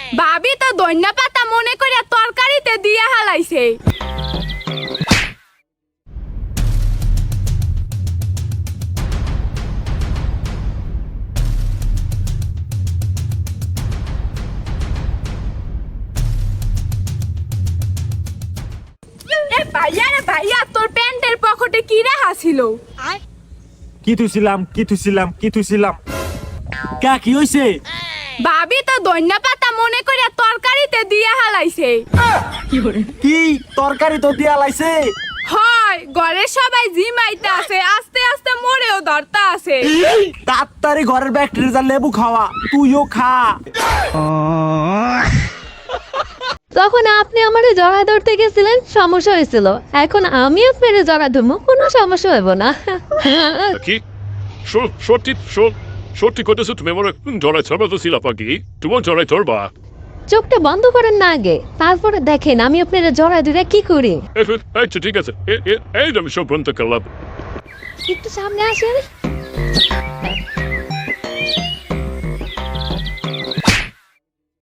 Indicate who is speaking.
Speaker 1: ভাবি তো ধনিয়া পাতা মনে করে তরকারিতে দিয়ে হালাইছে। ভাইয়া রে ভাইয়া, তোর প্যান্টের পকেটে কি রাখা ছিল?
Speaker 2: কি থুইছিলাম কা কি হইছে?
Speaker 1: ভাবি তো ধনিয়া পাতা মনে করে তরকারিতে দিয়ে হালাইছে।
Speaker 2: কি তরকারি তো দিয়া লাইছে?
Speaker 1: হয়, ঘরের সবাই জিমাইতে আছে, আস্তে আস্তে মরেও ধরতা আছে।
Speaker 2: তাড়াতাড়ি ঘরের ব্যাকটেরিয়া যা লেবু খাওয়া, তুইও খা।
Speaker 3: তখন আপনি আমারে জড়া ধরতে গেছিলেন, সমস্যা হয়েছিল। এখন আমি আপনারে জড়া ধরবো, কোনো সমস্যা হইব না।
Speaker 4: কি সত্যি কইতেছো তুমি আমার জড়াই ধরবা তো ছিল পাখি, তোমার জড়াই ধরবা?
Speaker 3: চোখটা বন্ধ করেন না আগে, তারপরে দেখেন আমি আপনারে জড়া ধরে কি করি।
Speaker 4: আচ্ছা ঠিক আছে, এই আমি সব বন্ধ করলাম।
Speaker 3: একটু সামনে আসেন।